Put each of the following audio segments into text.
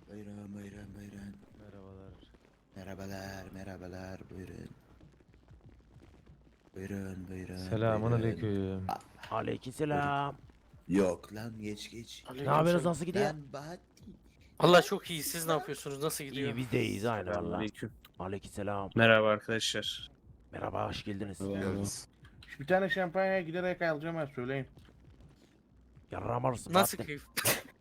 Buyurun buyurun buyurun. Merhabalar. Merhabalar buyurun. Buyurun buyurun Selamun buyurun. aleyküm. Aa, buyurun. Aleykümselam. Yok lan geç. Ne yapıyorsunuz, Aleykümselam. nasıl gidiyor? Lan Bahattin. Allah Lan çok iyi. Siz siz ne lan. yapıyorsunuz? Nasıl gidiyor? İyi biz de iyiyiz aynı valla. Selamünaleyküm. Aleykümselam. Merhaba arkadaşlar. Merhaba, hoş geldiniz. Bir tane şampanya giderek alacağım ha, söyleyin. Yarram alırsın Nasıl Bahattin. keyif?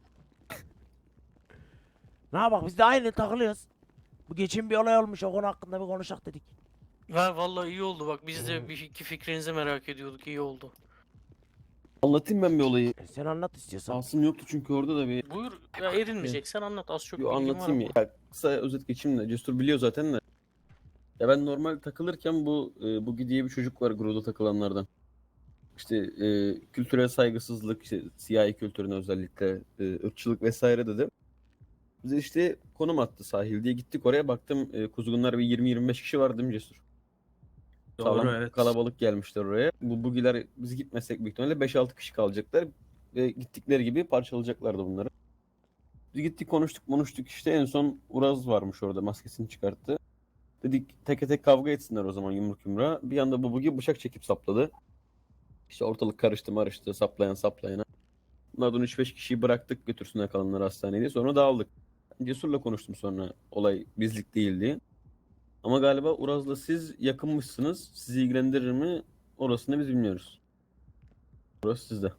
Ne yapak, biz de aynı takılıyoruz. Bu geçen bir olay olmuş, o konu hakkında bir konuşak dedik. Ha vallahi iyi oldu bak. Biz de bir iki fikrinizi merak ediyorduk. İyi oldu. Anlatayım ben bir olayı. Sen anlat istiyorsan. Asım yoktu çünkü orada da bir Buyur. Ya erinmeyecek. Sen anlat. Az çok bir bilgim var anlatayım ama. ya. Ya kısa özet geçeyim de. Cesur biliyor zaten de. Ya ben normal takılırken bu Bugi diye bir çocuk var gruda takılanlardan. İşte kültürel saygısızlık, işte siyahi kültürüne özellikle ırkçılık vesaire dedi. Bize işte konum attı sahil diye gittik oraya baktım kuzgunlar bir 20-25 kişi var değil mi Cesur? Doğru, Sağlam evet. kalabalık gelmişler oraya. Bu bugiler biz gitmesek büyük ihtimalle 5-6 kişi kalacaklar. Ve gittikleri gibi parçalayacaklardı bunları. Biz gittik konuştuk işte en son Uraz varmış orada maskesini çıkarttı. Dedik teke tek kavga etsinler o zaman yumruk yumruğa. Bir anda bu bugi bıçak çekip sapladı. İşte ortalık karıştı marıştı saplayana. Bunlardan 3-5 kişiyi bıraktık götürsünler kalanları hastaneye sonra dağıldık. Cesur'la konuştum sonra olay bizlik değil diye. Ama galiba Uraz'la siz yakınmışsınız. Sizi ilgilendirir mi? Orasını biz bilmiyoruz. Orası sizde.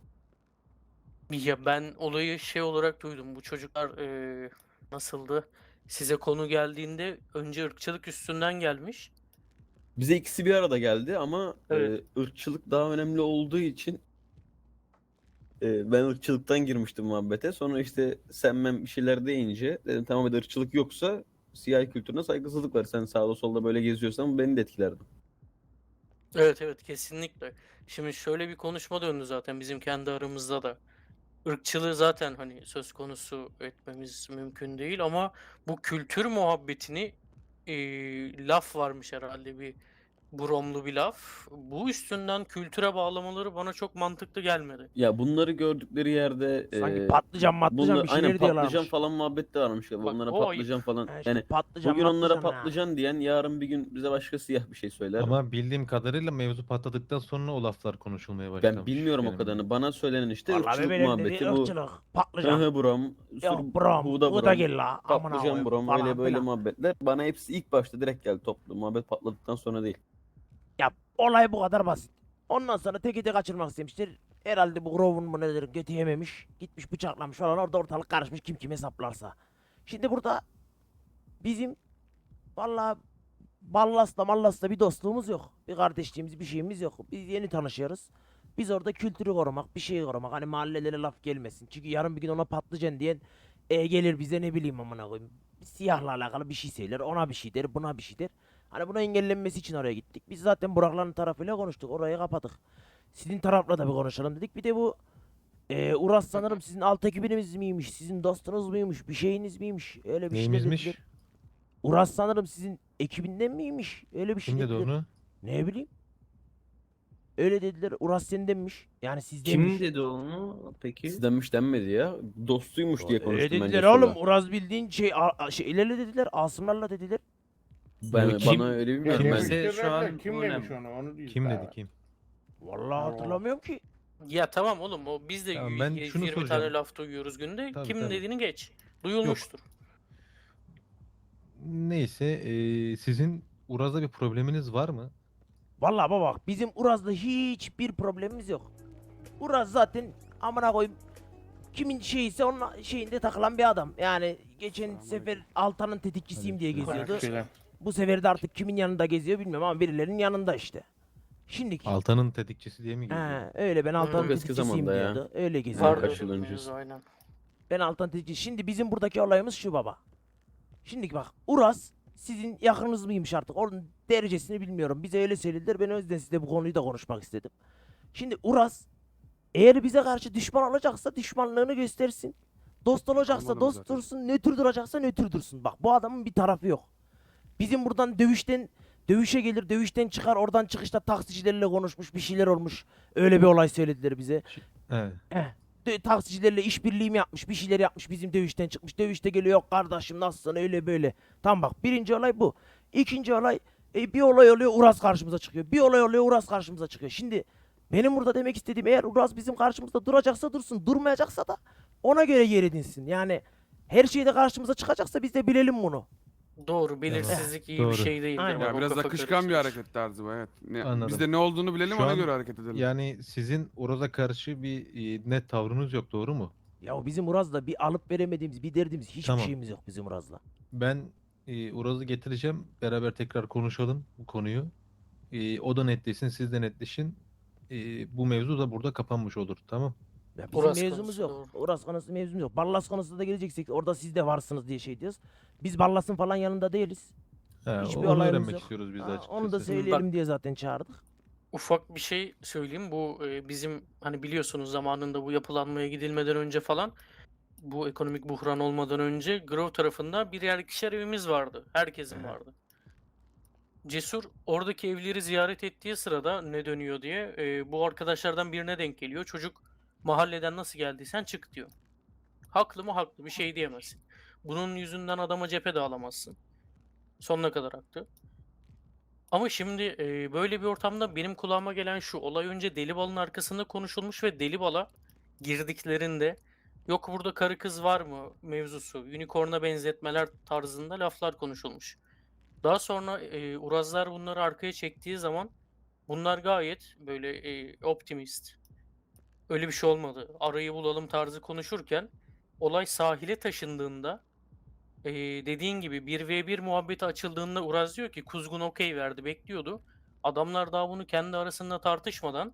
Ya ben olayı şey olarak duydum. Bu çocuklar nasıldı? Size konu geldiğinde önce ırkçılık üstünden gelmiş. Bize ikisi bir arada geldi ama Evet. ırkçılık daha önemli olduğu için ben ırkçılıktan girmiştim muhabbete. Sonra işte sen bir şeyler deyince dedim tamam hadi ırkçılık yoksa siyahi kültürüne saygısızlık var. Sen sağda solda böyle geziyorsan bu beni de etkilerdi. Evet kesinlikle. Şimdi şöyle bir konuşma döndü zaten bizim kendi aramızda da. Irkçılığı zaten hani söz konusu etmemiz mümkün değil ama bu kültür muhabbetini laf varmış herhalde bir bromlu bir laf. Bu üstünden kültüre bağlamaları bana çok mantıklı gelmedi. Ya bunları gördükleri yerde Sanki patlıcan bunlar, bir şeyler aynen patlıcan diyorlarmış. falan muhabbet de varmış. Bak, Onlara o patlıcan ayıp. falan. Ha işte Yani patlıcan bugün onlara matlıcan ha. patlıcan diyen yarın bir gün bize başka siyah bir şey söyler. Ama bildiğim kadarıyla mevzu patladıktan sonra o laflar konuşulmaya Ben başlamış. bilmiyorum o benim kadarını. Bana söylenen işte Vallahi ırkçılık bebeğim dedi muhabbeti bu. ırkçılık, patlıcan. Hı brom, Yok brom, huda bu da brom, gel la. Amına patlıcan koyayım brom falan öyle böyle filan. muhabbetler. Bana hepsi ilk başta direkt geldi toplu. Muhabbet patladıktan sonra değil. Ya olay bu kadar basit. Ondan sonra teki tek kaçırmak istemiştir. Herhalde bu Grove'un mu nedir götü yememiş. Gitmiş bıçaklamış falan orada ortalık karışmış kim kime saplarsa. Şimdi burada bizim vallahi Ballas'la Mallas'la bir dostluğumuz yok. Bir kardeşliğimiz bir şeyimiz yok. Biz yeni tanışıyoruz. Biz orada kültürü korumak, bir şeyi korumak. Hani mahallelere laf gelmesin. Çünkü yarın bir gün ona patlıcan diyen gelir bize ne bileyim amına koyayım. Siyahla alakalı bir şey söyler. Ona bir şey der, buna bir şey der. Hani buna engellenmesi için oraya gittik. Biz zaten Burakların tarafıyla konuştuk. Orayı kapadık. Sizin tarafla da bir konuşalım dedik. Bir de bu Uras sanırım sizin alt ekibiniz miymiş? Sizin dostunuz muymuş? Bir şeyiniz miymiş? Öyle bir şeyler Neyimizmiş? dediler. Uras sanırım sizin ekibinden miymiş? Öyle bir şey Kim dedi dediler. onu? Ne bileyim. Öyle dediler. Uras sendenmiş. Yani Kim sizdenmiş. dedi onu peki? Sizdenmiş denmedi ya. Dostuymuş diye Öyle konuştum ben dediler Cesur'la. oğlum. Uras bildiğin şeylerle dediler. Asımlarla dediler. Ben, Kim- bana öyle bilmiyorum. Kim Ben, dedi? Kimse şu an Kim bu demiş önemli. onu değil. Kim daha. dedi kim? Vallahi Allah. hatırlamıyorum ki. Ya tamam oğlum o biz de Tamam, ben 100 şunu 20 tane soracağım. laf duyuyoruz günde. Tabii, Kimin tabii. dediğini geç. Duyulmuştur. Neyse sizin Uraz'la bir probleminiz var mı? Vallahi baba bak bizim Uraz'la hiçbir problemimiz yok. Uraz zaten amına koyayım kimin şeyiyse onun şeyinde takılan bir adam. Yani geçen sefer Altan'ın tetikçisiyim diye geziyordu. Şeyler. Bu sefer de artık kimin yanında geziyor bilmiyorum ama birilerinin yanında işte. Şimdiki. Altan'ın tetikçisi diye mi geziyor? He, öyle ben Altan'ın Çok eski tetikçisiyim zamanda ya. diyordu. Öyle geziyor. Var. Vardı Kaç yıl öyle bir öncesi. mevzu, aynen. Ben Altan tetikçisi. Şimdi bizim buradaki olayımız şu baba. Şimdi bak Uras sizin yakınınız mıymış artık? Onun derecesini bilmiyorum. Bize öyle söylediler. Ben o yüzden size bu konuyu da konuşmak istedim. Şimdi Uras eğer bize karşı düşman olacaksa düşmanlığını göstersin. Dost olacaksa Anladım dost zaten. dursun. Nötr duracaksa nötr dursun. Bak bu adamın bir tarafı yok. Bizim buradan dövüşe gelir. Dövüşten çıkar. Oradan çıkışta taksicilerle konuşmuş. Bir şeyler olmuş. Öyle bir olay söylediler bize. Evet. taksicilerle işbirliği mi yapmış, bir şeyler yapmış, bizim dövüşten çıkmış. Dövüşte geliyor, yok kardeşim nasılsın, öyle böyle. Tamam bak, birinci olay bu. İkinci olay, bir olay oluyor, Uras karşımıza çıkıyor. Bir olay oluyor, Uras karşımıza çıkıyor. Şimdi benim burada demek istediğim, eğer Uras bizim karşımızda duracaksa dursun, durmayacaksa da ona göre yer edinsin. Yani her şeyde karşımıza çıkacaksa biz de bilelim bunu. Doğru, belirsizlik iyi bir Doğru. şey değildir. Aynen. bak, Ya o biraz kafa akışkan bir karıştırır. hareket tarzı bu, evet. Anladım. Biz de ne olduğunu bilelim, Şu ona an göre hareket edelim. Yani sizin Uraz'a karşı bir net tavrınız yok, doğru mu? Ya bizim Uraz'la bir alıp veremediğimiz, bir derdimiz, hiçbir Tamam. şeyimiz yok bizim Uraz'la. Ben Uraz'ı getireceğim. Beraber tekrar konuşalım bu konuyu. O da netleşsin, siz de netleşin. Bu mevzu da burada kapanmış olur. Tamam. Ya bizim Uras mevzumuz konusu, yok. doğru. Uras konusu mevzumuz yok. Ballas konusunda da geleceksek orada siz de varsınız diye şey diyoruz. Biz Ballas'ın falan yanında değiliz. Hiçbir Onu olayımız öğrenmek yok. istiyoruz biz de Ha, açıkçası. onu da söyleyelim diye zaten çağırdık. Ufak bir şey söyleyeyim. Bu bizim hani biliyorsunuz zamanında bu yapılanmaya gidilmeden önce falan, bu ekonomik buhran olmadan önce Grove tarafında bir yer ikişer evimiz vardı. Herkesin vardı. Cesur oradaki evleri ziyaret ettiği sırada ne dönüyor diye bu arkadaşlardan birine denk geliyor. Çocuk mahalleden nasıl geldiysen çık diyor. Haklı mı? Haklı. Bir şey diyemezsin. Bunun yüzünden adama cephe de alamazsın. Sonuna kadar haklı. Ama şimdi böyle bir ortamda benim kulağıma gelen şu: olay önce Delibal'ın arkasında konuşulmuş ve Delibal'a girdiklerinde yok burada karı kız var mı mevzusu, unicorn'a benzetmeler tarzında laflar konuşulmuş. Daha sonra Urazlar bunları arkaya çektiği zaman bunlar gayet böyle optimist. Öyle bir şey olmadı, arayı bulalım tarzı konuşurken olay sahile taşındığında, dediğin gibi 1v1 muhabbeti açıldığında Uraz diyor ki Kuzgun okey verdi, bekliyordu. Adamlar daha bunu kendi arasında tartışmadan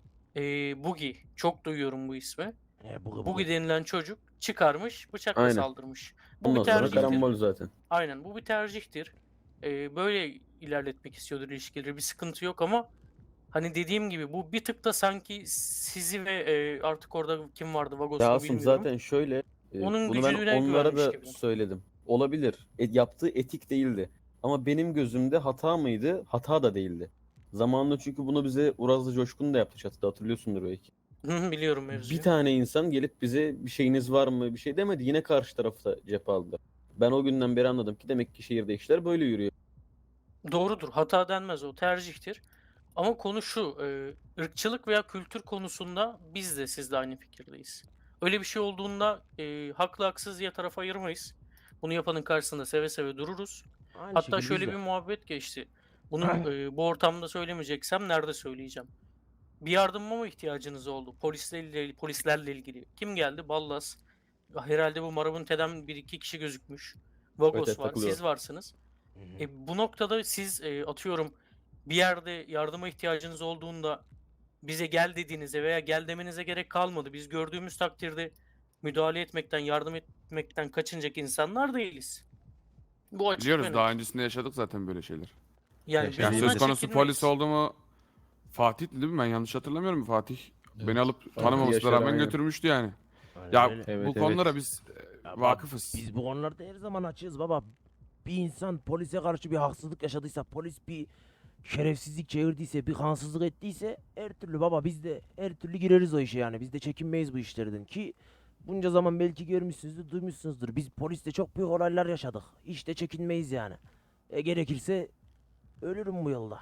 Bugi, çok duyuyorum bu ismi. Bugi denilen çocuk çıkarmış, bıçakla Aynen. saldırmış. Bu bir Ondan sonra tercihtir. karambol zaten. Aynen, bu bir tercihtir. Böyle ilerletmek istiyordur ilişkileri, bir sıkıntı yok ama hani dediğim gibi bu bir tık da sanki sizi ve artık orada kim vardı Ya Vagos'u Asım bilmiyorum. zaten şöyle, Onun bunu ben gücüne onlara güvenmiş da gibi. söyledim. Olabilir. Yaptığı etik değildi. Ama benim gözümde hata mıydı? Hata da değildi. Zamanında çünkü bunu bize Urazlı Coşkun da yaptı çatıda, hatırlıyorsundur belki. Biliyorum mevzuyu. Bir tane insan gelip bize bir şeyiniz var mı bir şey demedi. Yine karşı tarafta cephe aldılar. Ben o günden beri anladım ki demek ki şehirde işler böyle yürüyor. Doğrudur. Hata denmez, o tercihtir. Ama konu şu, ırkçılık veya kültür konusunda biz de sizle aynı fikirdeyiz. Öyle bir şey olduğunda haklı haksız diye taraf ayırmayız. Bunu yapanın karşısında seve seve dururuz. Aynı Hatta şekilde şöyle biz de. bir muhabbet geçti. Bunu bu ortamda söylemeyeceksem nerede söyleyeceğim? Bir yardıma mı ihtiyacınız oldu? Polislerle ilgili. Kim geldi? Ballas. Herhalde bu Marabunte'den bir iki kişi gözükmüş. Vagos Evet, var. takılıyor. Siz varsınız. Bu noktada siz atıyorum bir yerde yardıma ihtiyacınız olduğunda bize gel dediğinizde veya gel demenize gerek kalmadı. Biz gördüğümüz takdirde müdahale etmekten, yardım etmekten kaçınacak insanlar değiliz. Bu açık ve Biliyoruz, net. daha öncesinde yaşadık zaten böyle şeyler. Yani Yani biz Yani bundan söz konusu çekinmeyiz. polis oldu mu, Fatih'ti değil mi? Ben yanlış hatırlamıyorum. Fatih Evet. beni alıp Fatih tanımamasına Yaşar, rağmen aynen. götürmüştü yani. Aynen Ya öyle. Evet, bu konulara biz Ya bak, vakıfız. Biz bu konularda her zaman açığız baba. Bir insan polise karşı bir haksızlık yaşadıysa, polis bir şerefsizlik çevirdiyse, bir kansızlık ettiyse her türlü baba biz de her türlü gireriz o işe yani. Biz de çekinmeyiz bu işlerden ki bunca zaman belki görmüşsünüzdür, duymuşsunuzdur. Biz poliste çok büyük olaylar yaşadık. Hiç de çekinmeyiz yani. Gerekirse ölürüm bu yolda.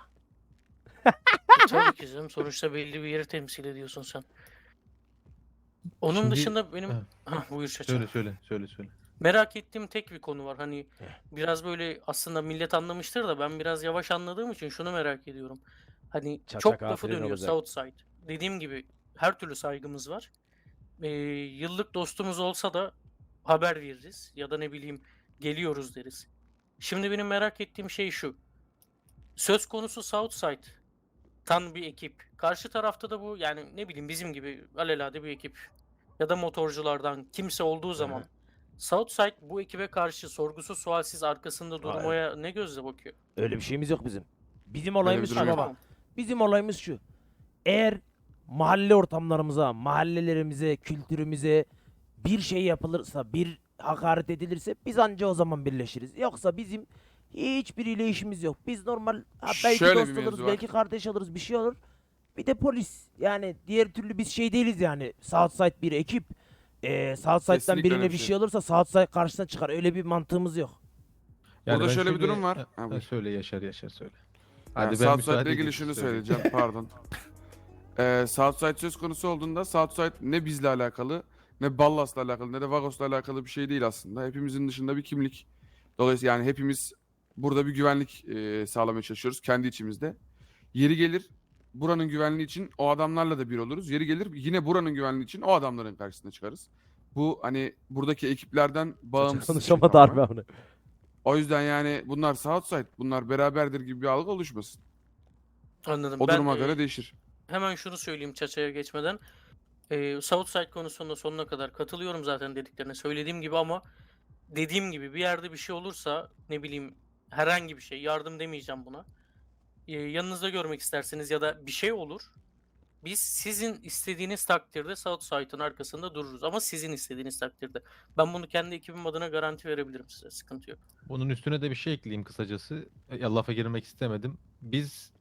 Tabii ki canım. Sonuçta belli bir yeri temsil ediyorsun sen. Onun Şimdi- dışında benim... Ha, Buyur Çaça. söyle. Merak ettiğim tek bir konu var. Hani biraz böyle aslında millet anlamıştır da ben biraz yavaş anladığım için şunu merak ediyorum. Hani Çaça çok lafı kafirin dönüyor olacak. Southside. Dediğim gibi her türlü saygımız var. Yıllık dostumuz olsa da haber veririz ya da ne bileyim geliyoruz deriz. Şimdi benim merak ettiğim şey şu. Söz konusu Southside'tan bir ekip. Karşı tarafta da bu, yani ne bileyim bizim gibi alelade bir ekip ya da motorculardan kimse olduğu zaman Southside bu ekibe karşı sorgusuz sualsiz arkasında durmaya ne gözle bakıyor? Öyle bir şeyimiz yok bizim. Bizim bir olayımız şu durum yok. baba. Bizim olayımız şu. Eğer mahalle ortamlarımıza, mahallelerimize, kültürümüze bir şey yapılırsa, bir hakaret edilirse biz anca o zaman birleşiriz. Yoksa bizim hiçbiriyle işimiz yok. Biz normal belki Şöyle bir dost mevzu oluruz, var. belki kardeş oluruz, bir şey olur. Bir de polis. Yani diğer türlü biz şey değiliz yani. Southside bir ekip. Southside'dan Kesinlikle birine öyle bir bir şey şey. olursa Southside karşısına çıkar. Öyle bir mantığımız yok. Yani Burada ben şöyle bir durum var. Ha, Ha, ha, buyur. söyle Yaşar söyle. Yani Hadi ben Southside'la müsaade ilgili edeyim, şunu söyleyeyim. söyleyeceğim, pardon. Southside söz konusu olduğunda Southside ne bizle alakalı, ne Ballas'la alakalı, ne de Vagos'la alakalı bir şey değil aslında. Hepimizin dışında bir kimlik. Dolayısıyla yani hepimiz burada bir güvenlik sağlamaya çalışıyoruz kendi içimizde. Yeri gelir buranın güvenliği için o adamlarla da bir oluruz. Yeri gelir yine buranın güvenliği için o adamların karşısına çıkarız. Bu hani buradaki ekiplerden bağımsız bir şey Konuşamadı harbi tamamen. onu. O yüzden yani bunlar Southside, bunlar beraberdir gibi bir algı oluşmasın. Anladım. O Ben duruma göre değişir. hemen şunu söyleyeyim Çaça'ya geçmeden. Southside konusunda sonuna kadar katılıyorum zaten dediklerine. Söylediğim gibi ama dediğim gibi bir yerde bir şey olursa ne bileyim herhangi bir şey yardım demeyeceğim buna. Yanınızda görmek isterseniz ya da bir şey olur. Biz sizin istediğiniz takdirde Southside'ın arkasında dururuz. Ama sizin istediğiniz takdirde. Ben bunu kendi ekibim adına garanti verebilirim size. Sıkıntı yok. Bunun üstüne de bir şey ekleyeyim kısacası. Ya lafa girmek istemedim. Biz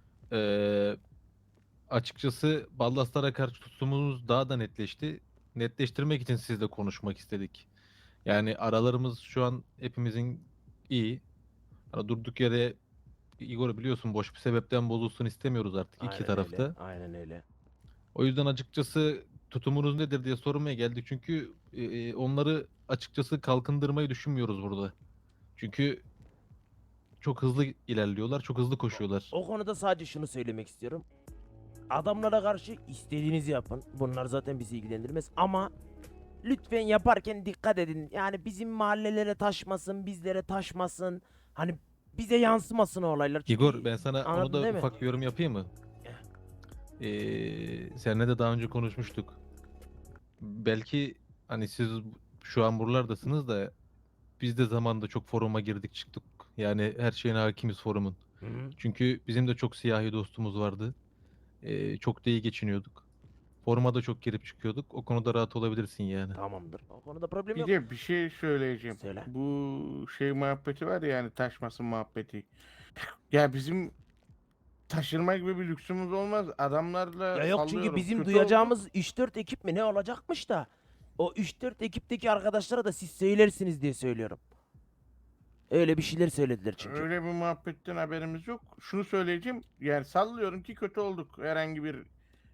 açıkçası Ballaslara karşı tutumumuz daha da netleşti. Netleştirmek için sizle konuşmak istedik. Yani aralarımız şu an hepimizin iyi. Hani durduk yere Igor biliyorsun boş bir sebepten bozulsun istemiyoruz artık iki tarafta. Aynen öyle. O yüzden açıkçası tutumunuz nedir diye sormaya geldik. Çünkü onları açıkçası kalkındırmayı düşünmüyoruz burada. Çünkü çok hızlı ilerliyorlar, çok hızlı koşuyorlar. O konuda sadece şunu söylemek istiyorum. Adamlara karşı istediğinizi yapın. Bunlar zaten bizi ilgilendirmez ama lütfen yaparken dikkat edin. Yani bizim mahallelere taşmasın, bizlere taşmasın. Hani bize yansımasın o olaylar. Çünkü Igor ben sana onu anladın da değil mi? ufak bir yorum yapayım mı? Seninle de daha önce konuşmuştuk. Belki hani siz şu an buralardasınız da biz de zamanında çok foruma girdik çıktık. Yani her şeyine hakimiz forumun. Hı hı. Çünkü bizim de çok siyahi dostumuz vardı. Çok da iyi geçiniyorduk. Foruma da çok girip çıkıyorduk. O konuda rahat olabilirsin yani. Tamamdır. O konuda problem Bir yok. de bir şey söyleyeceğim. Söyle. Bu şey muhabbeti var ya, yani taşmasın muhabbeti. Ya bizim taşırma gibi bir lüksümüz olmaz. Adamlarla Ya yok çünkü sallıyorum, bizim kötü duyacağımız 3-4 ekip mi ne olacakmış da o 3-4 ekipteki arkadaşlara da siz söylersiniz diye söylüyorum. Öyle bir şeyler söylediler çünkü. Öyle bir muhabbetten haberimiz yok. Şunu söyleyeceğim. Yani sallıyorum ki kötü olduk herhangi bir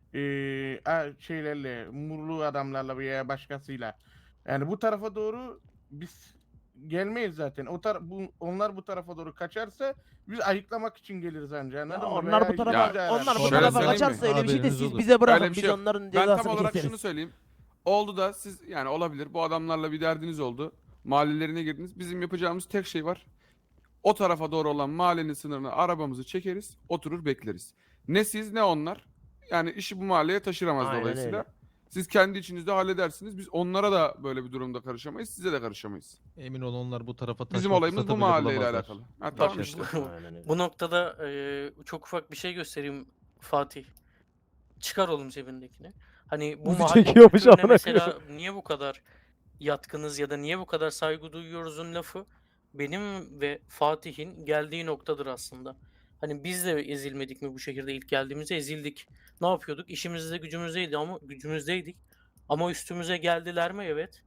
şeylerle, murlu adamlarla veya başkasıyla. Yani bu tarafa doğru biz gelmeyiz zaten. Onlar bu tarafa doğru kaçarsa biz ayıklamak için geliriz anca. Anladın mı? Onlar Veya bu tarafa Ya, işimize yarar. onlar bu şöyle tarafa söyleyeyim mi? kaçarsa öyle bir şey de Haberiniz siz olur. bize bırakın Öyle bir biz şey yok. onların Ben tam cezasını olarak keseriz. şunu söyleyeyim. Oldu da siz yani olabilir bu adamlarla bir derdiniz oldu. Mahallelerine girdiniz. Bizim yapacağımız tek şey var. O tarafa doğru olan mahallenin sınırına arabamızı çekeriz. Oturur bekleriz. Ne siz ne onlar. Yani işi bu mahalleye taşıramaz Aynen dolayısıyla. öyle. Siz kendi içinizde halledersiniz. Biz onlara da böyle bir durumda karışamayız. Size de karışamayız. Emin ol onlar bu tarafa Bizim taşma olayımız fırsatı bu bile mahalleyle bulamazlar. alakalı. Ha, Bak tamam işte. işte. Aynen öyle. Bu noktada çok ufak bir şey göstereyim Fatih. Çıkar oğlum cebindekini. Hani bu Uzi mahalle çekiyormuş kültürüne amına mesela niye bu kadar yatkınız ya da niye bu kadar saygı duyuyoruzun lafı benim ve Fatih'in geldiği noktadır aslında. Hani biz de ezilmedik mi bu şehirde ilk geldiğimizde ezildik. Ne yapıyorduk? İşimizde gücümüzdeydik. Ama üstümüze geldiler mi? Evet.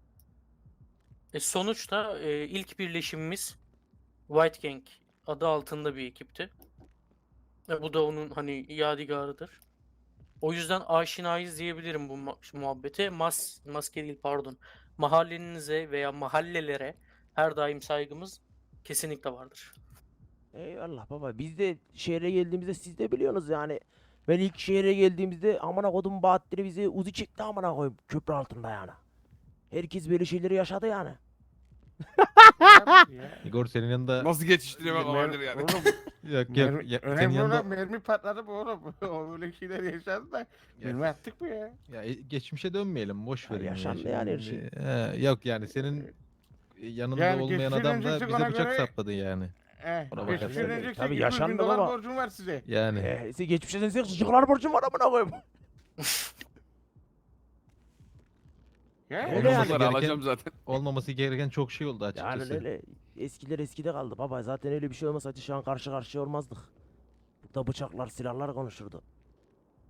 Sonuçta ilk birleşimimiz White Gang adı altında bir ekipti. Bu da onun hani yadigarıdır. O yüzden aşinayız diyebilirim bu muhabbete. Maske değil pardon. Mahallenize veya mahallelere her daim saygımız kesinlikle vardır. Eyvallah baba. Biz de şehre geldiğimizde siz de biliyorsunuz yani. Ben ilk şehre geldiğimizde amına kodum Bahattin'i bize Uzi çekti amına koyayım köprü altında yani. Herkes böyle şeyleri yaşadı yani. Igor senin yanında Nasıl geçiştirmek olabilir yani. Oğlum, yok yok senin önemli yanında olan mermi patladı bu oğlum. O öyle şeyler yaşandı da. Mermi attık mı ya? ya geçmişe dönmeyelim boş Ya verin ya. yaşandı yani her şey. Şimdi, yok yani senin yanında Yani olmayan geçmişe adam da döneceksek bize ona bıçak göre- sapladı yani. Ona Geçmişe bakarsan. döneceksek Tabii 200 yaşandı bin dolar baba. borcum var size. Yani Size geçmişe dönsek çocuklar borcum var amına koyayım. Ya? Öyle yani. Onları gereken- alacağım zaten. olmaması gereken çok şey oldu Yani açıkçası. öyle eskiler eskide kaldı baba. Zaten öyle bir şey olmasaydı şu an karşı karşıya olmazdık. Burada bıçaklar silahlar konuşurdu.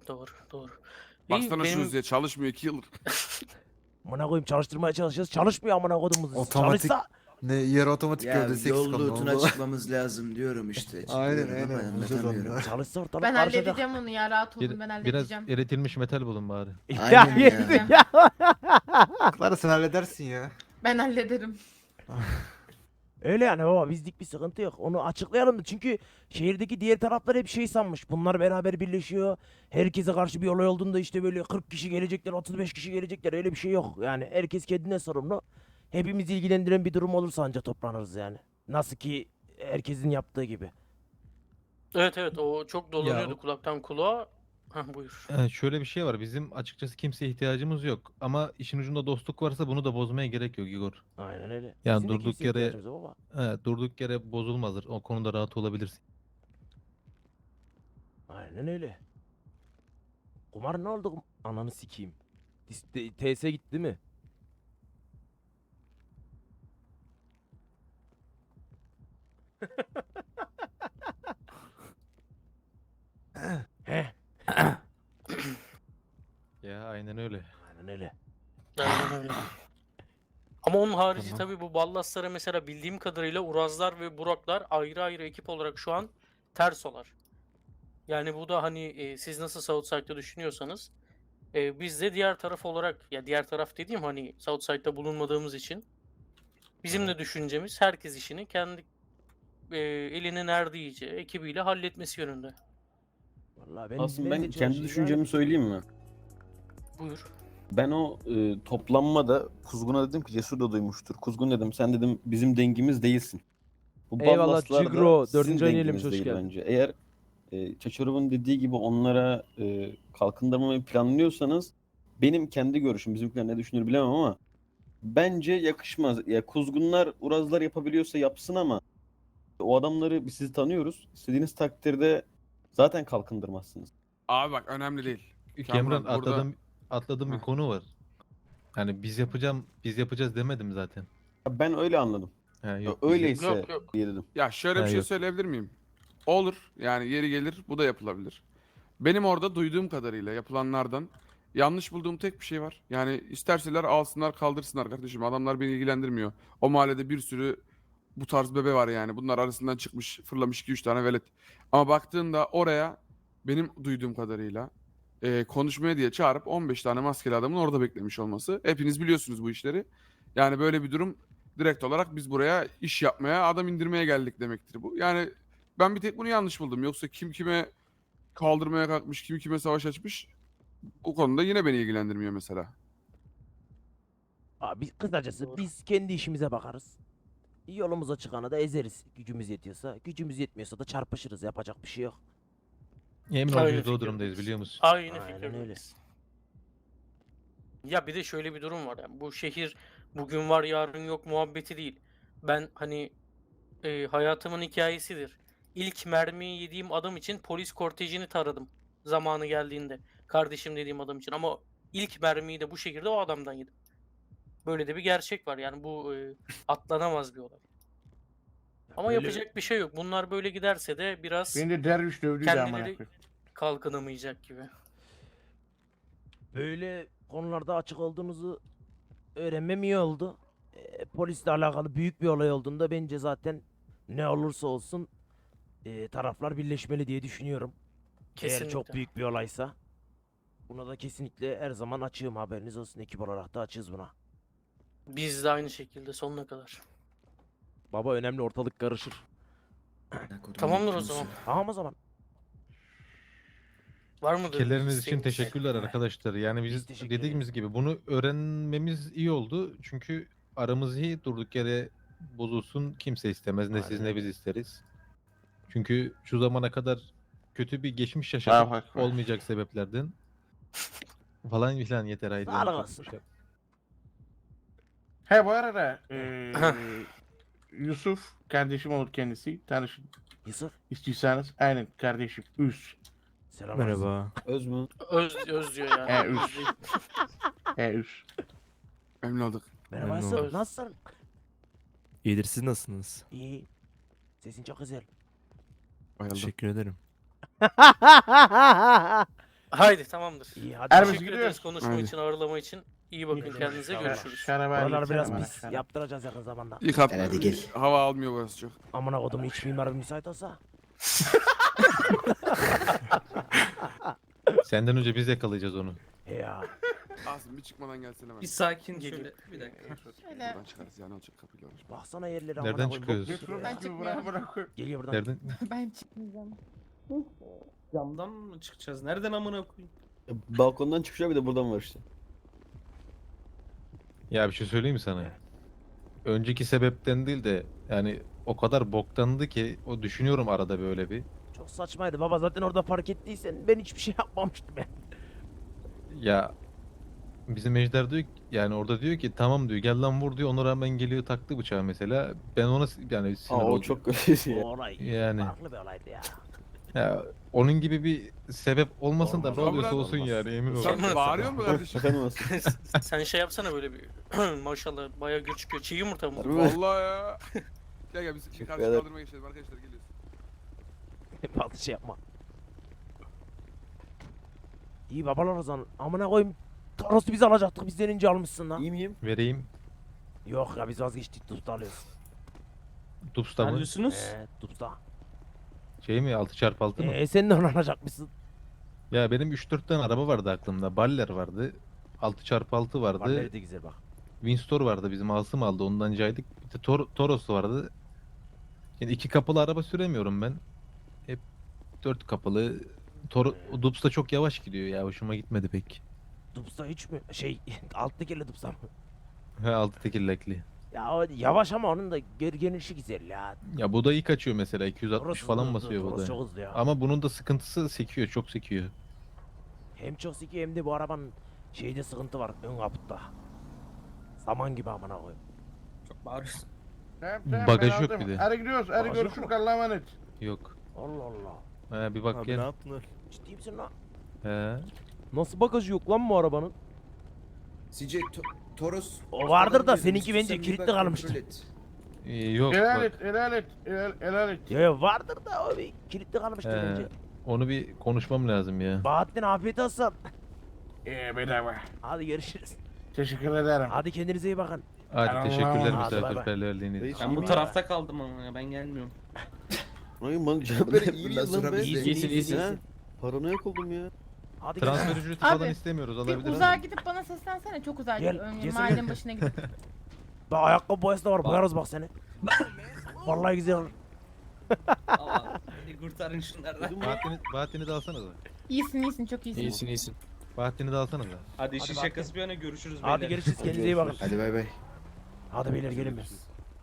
Doğru, doğru. İyi, Baksana benim- şunu diye çalışmıyor 2 yıldır. Amına koyayım çalıştırmaya çalışıyoruz. Çalışmıyor amına kodumuz. Otomatik Çalışsa Ne yarı otomatik Ya gövdesi eksik yol loot'unu oldu. açıklamamız lazım diyorum işte. Aynen Açıklıyorum ama aynen. Vücut anlatamıyorum. onlar. çalışsa ortalık Ben karışacak. halledeceğim onu ya, rahat olun, ben Biraz halledeceğim. eritilmiş metal bulun bari. Ya Aynen ya. yesin ya. Clara sen halledersin ya. Ben hallederim. Öyle yani baba, bizlik bir sıkıntı yok. Onu açıklayalım da, çünkü şehirdeki diğer taraflar hep şey sanmış. Bunlar beraber birleşiyor. Herkese karşı bir olay olduğunda işte böyle 40 kişi gelecekler, 35 kişi gelecekler. Öyle bir şey yok. Yani herkes kendine sorumlu. Hepimizi ilgilendiren bir durum olursa anca toplanırız yani. Nasıl ki herkesin yaptığı gibi. Evet evet, o çok dolanıyordu o- kulaktan kulağa. Hah, buyur. Şöyle bir şey var. Bizim açıkçası kimseye ihtiyacımız yok. Ama işin ucunda dostluk varsa bunu da bozmaya gerek yok Igor. Aynen öyle. Yani Bizim de durduk kimseye yere- ihtiyacımız yok baba. Durduk yere bozulmazdır. O konuda rahat olabilirsin. Aynen öyle. Kumar ne oldu? Ananı sikeyim. TS gitti mi? Heh. Ya aynen öyle. Aynen öyle. Aynen öyle. Ama onun harici Tamam. tabii bu Ballaslara mesela bildiğim kadarıyla Urazlar ve Buraklar ayrı ayrı ekip olarak şu an tersolar. Yani bu da hani siz nasıl Southside'da düşünüyorsanız biz de diğer taraf olarak, ya diğer taraf dediğim hani Southside'da bulunmadığımız için bizim de düşüncemiz herkes işini kendi elinin erdiğince ekibiyle halletmesi yönünde. Vallahi ben Aslında ben ben de kendi çalışacağım. düşüncemi söyleyeyim mi? Buyur. Ben o toplanmada Kuzgun'a dedim ki, Cesur da duymuştur. Kuzgun dedim, sen dedim bizim dengimiz değilsin. Bu Eyvallah Ballaslar da Cigro, sizin 4. ayın denginiz hoş değil geldin. bence. Eğer Çaçarov'un dediği gibi onlara kalkındırmamayı planlıyorsanız, benim kendi görüşüm, bizimkiler ne düşünür bilemem ama bence yakışmaz. Ya Kuzgunlar, Urazlar yapabiliyorsa yapsın ama o adamları, biz sizi tanıyoruz. İstediğiniz takdirde zaten kalkındırmazsınız. Abi bak önemli değil. Cameron burada- atladığım bir Heh. konu var. Yani biz yapacağız demedim zaten. Ben öyle anladım. Ha, yok, biz Öyleyse Yok, yok. diye dedim. Ya şöyle Ha, bir şey yok. söyleyebilir miyim? Olur. Yani yeri gelir bu da yapılabilir. Benim orada duyduğum kadarıyla yapılanlardan yanlış bulduğum tek bir şey var. Yani isterseler alsınlar kaldırsınlar kardeşim. Adamlar beni ilgilendirmiyor. O mahallede bir sürü bu tarz bebe var yani. Bunlar arasından çıkmış fırlamış 2-3 tane velet. Ama baktığında oraya benim duyduğum kadarıyla konuşmaya diye çağırıp 15 tane maskeli adamın orada beklemiş olması. Hepiniz biliyorsunuz bu işleri. Yani böyle bir durum, direkt olarak biz buraya iş yapmaya, adam indirmeye geldik demektir bu. Yani ben bir tek bunu yanlış buldum. Yoksa kim kime kaldırmaya kalkmış, kim kime savaş açmış, o konuda yine beni ilgilendirmiyor mesela. Abi kısacası Doğru. biz kendi işimize bakarız. Yolumuza çıkanı da ezeriz. Gücümüz yetiyorsa. Gücümüz yetmiyorsa da çarpışırız. Yapacak bir şey yok. Emin ol Aynı biz de o fikirdeyiz. durumdayız biliyor musun? Aynı Aynen fikirdeyiz. Ya bir de şöyle bir durum var. Yani bu şehir bugün var yarın yok muhabbeti değil. Ben hani hayatımın hikayesidir. İlk mermiyi yediğim adam için polis kortejini taradım zamanı geldiğinde. Kardeşim dediğim adam için, ama ilk mermiyi de bu şehirde o adamdan yedim. Böyle de bir gerçek var. Yani bu atlanamaz bir olay. Ama Böyle- yapacak bir şey yok. Bunlar böyle giderse de biraz Beni de derviş dövdüydü amına kendileri koyayım. kalkınamayacak gibi. Böyle konularda açık olduğunuzu öğrenmem iyi oldu. Polisle alakalı büyük bir olay olduğunda bence zaten ne olursa olsun taraflar birleşmeli diye düşünüyorum. Eğer çok Kesinlikle. büyük bir olaysa. Buna da kesinlikle her zaman açığım, haberiniz olsun. Ekip olarak da açığız buna. Biz de aynı şekilde sonuna kadar. Baba önemli, ortalık karışır. Tamamdır o zaman. Tamam o zaman. Var mıdır? Fikirleriniz için isteğiniz? teşekkürler arkadaşlar. Yani Biz biz teşekkür dediğimiz gibi bunu öğrenmemiz iyi oldu. Çünkü aramız iyi, durduk yere bozulsun kimse istemez. Ne siz Aynen ne öyle. biz isteriz. Çünkü şu zamana kadar kötü bir geçmiş yaşadık bak. olmayacak sebeplerden. Falan filan yeter haydi. Sağlık Çok olsun. şey- He bu arada Yusuf kardeşim olur kendisi. Tanışın Yusuf. istiyorsanız. Aynen kardeşim. Üs. Selam. Merhaba. Öz mü? Öz diyor yani. He, Öz üf. değil. He üs. Emin olduk. Merhaba Memnun Yusuf. oldum. Nasılsın? İyidir, siz nasılsınız? İyi. Sesin çok güzel. Bayıldım. Teşekkür ederim. Haydi tamamdır. İyi hadi. Ermiş Teşekkür ederiz gidiyoruz. konuşma Haydi. için, ağırlama için. İyi bakın kendinize, görüşürüz. Şaraba Buralar halledeceğim biraz bana, pis. şaraba. Yaptıracağız yakın zamanda. Yıkatma. Hadi gel. Hava almıyor burası çok. Amına kodum iç mimar müsait olsa. Senden önce biz yakalayacağız onu. Ya. Asım bir çıkmadan gelsene hemen. Bir sakin şöyle. Bir dakika. Şöyle. Buradan çıkarız ya ne olacak kapıyla uğraşma. Baksana yerlere amına Nereden koyayım, çıkıyoruz? bok gibi ya. Ben çıkmıyorum. Geliyor buradan. Nereden? Ben çıkmayacağım. Camdan mı çıkacağız? Nereden amına koyayım? Balkondan çıkıyor bir de buradan var işte. Ya bir şey söyleyeyim mi sana? Önceki sebepten değil de yani o kadar boktandı ki o düşünüyorum arada böyle bir. Çok saçmaydı baba, zaten orada fark ettiysen ben hiçbir şey yapmamıştım ya. Ya bizim Ejder diyor ki, yani orada diyor ki tamam diyor gel lan vur diyor, ona rağmen geliyor taktı bıçağı mesela. Ben ona yani sinir Aa o oldum. çok kötü ya. O olay Yani. farklı bir olaydı ya. Ya onun gibi bir sebep olmasın da Olmaz, ne oluyorsa olmaz, olsun olmaz. yani emin ol. Sen bağırıyor mu kardeşim? Efendim Asım. Sen şey yapsana böyle bir maşallah bayağı gür çıkıyor. Çiğ yumurta mı? Harbi mi? Vallahi ya. Gel biz şimdi karşı ederim. kaldırmaya geçelim arkadaşlar geliyoruz. Fazla şey yapma. İyi babalar o zaman. Amına koyayım. Toros'u biz alacaktık, bizden önce almışsın lan. İyi miyim? Vereyim. Yok ya biz vazgeçtik, Dups'ta alıyoruz. Dups'ta mı? Alıyorsunuz. Dups'ta. Şey mi 6x6 mı? Sen de onu alacakmışsın. Ya benim 3-4 tane araba vardı aklımda. Baller vardı. 6x6 vardı. Valleri de güzel bak. Windsor vardı, bizim Asım aldı, ondan caydık. Bir de Toros vardı. Şimdi 2 kapılı araba süremiyorum ben. Hep 4 kapılı. Dups'ta çok yavaş gidiyor ya, hoşuma gitmedi pek. Dups'ta hiç mi? Şey, alt tekerli Dups'ta mı? He 6 tekerlekli. Ya o yavaş ama onun da gelişi güzel ya. Ya bu da iyi kaçıyor mesela, 260 Toros falan hızlı, basıyor bu Toros da. çok hızlı ya. Ama bunun da sıkıntısı sekiyor, çok sekiyor. Hem çok sikiyor hem de bu arabanın şeyde sıkıntı var, ön kaputta. Saman gibi amına koyayım. Çok bağırıyorsun. Tamam, tamam, Bagajı ben yok aldım. bir de. Hadi gidiyoruz. Hadi Bagajı yok görüşürüz. mu? Allah'a emanet. Yok. Allah Allah. He bir bak gel. yaptın? Ciddi misin lan? He. Nasıl bagajı yok lan bu arabanın? CJ Toros. O vardır da falan seninki diyordun, bence sen bir kilitli bak, kalmıştır. kontrol et. Yok Helal bak. et, helal et, helal et. Ya vardır da o bir kilitli kalmıştır He. bence. Onu bir konuşmam lazım ya. Bahattin afiyet olsun. Bedava. Hadi görüşürüz. Teşekkür ederim. Hadi kendinize iyi bakın. Hadi Tamam. teşekkürler Hadi bay bay. misafirperverliğiniz Reis, için. Ben bu İyi tarafta kaldım ama ya, ben gelmiyorum. Ay man canım Böyle böyle iyi iyi miyiz miyiz lan lan be? biz? İyisin, iyisin. Ha? Paranoyak oldum ya. Hadi Transfer gel. ücreti Abi, falan istemiyoruz, Bir alabiliriz. uzağa gidip bana seslensene. Çok uzağa Gel, gidip gelsene. mahallenin başına gidip. Bak ayakkabı boyası da var, boyarız bak seni. Vallahi güzel olur. Allah. Hadi kurtarın şunlardan. Bahattin'i de alsana da. İyisin çok iyisin. iyisin. Bahattin'i de alsana da. Hadi işin Hadi şakası bir yana görüşürüz Hadi beyler. görüşürüz, kendinize iyi bakın. Hadi bay bay. Hadi beyler gelin biz.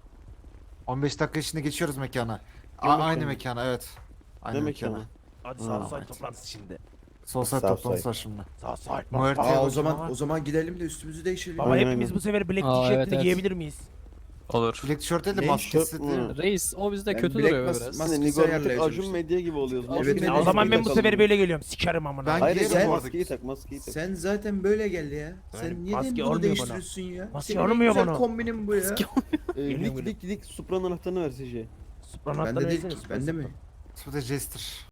15 dakika içinde geçiyoruz mekana. Yemek Aynı mi? mekana evet. Aynı Ne mekana. mekanı? Hadi Ha, sağ side hadi. toplantısı şimdi. Sosyal Southside. toplantısı var şimdi. Sağ side. Muerte Aa o var. zaman gidelim de üstümüzü değişelim. Baba Aynen, hepimiz aynen. bu sefer black Aa, tişörtünü evet, evet. giyebilir miyiz? Olur. Black tişört değil de Ne? maskesi Tişört değil mü? mi? Reis o bizde Ben kötü Black duruyor Mas- biraz. Mas- Hani Maskesi Nigor bir tık ayarlayacağım Acun işte. Medya gibi oluyoruz. Evet, Maskeyi evet. O zaman ben bu takalım. sefer böyle geliyorum. Sikerim amına. Ben Hayır, giyerim sen- bu arada. Maskeyi tak. Sen zaten böyle gel ya. Sen Yani niye maske bunu olmuyor değiştiriyorsun ya? Maske Senin en olmuyor güzel bana. kombinin bu ya. Geliyorum, Lik Supra'nın anahtarını ver Sece. Supranattan Bende değil versene, ki. Bende mi? Bu da Jester.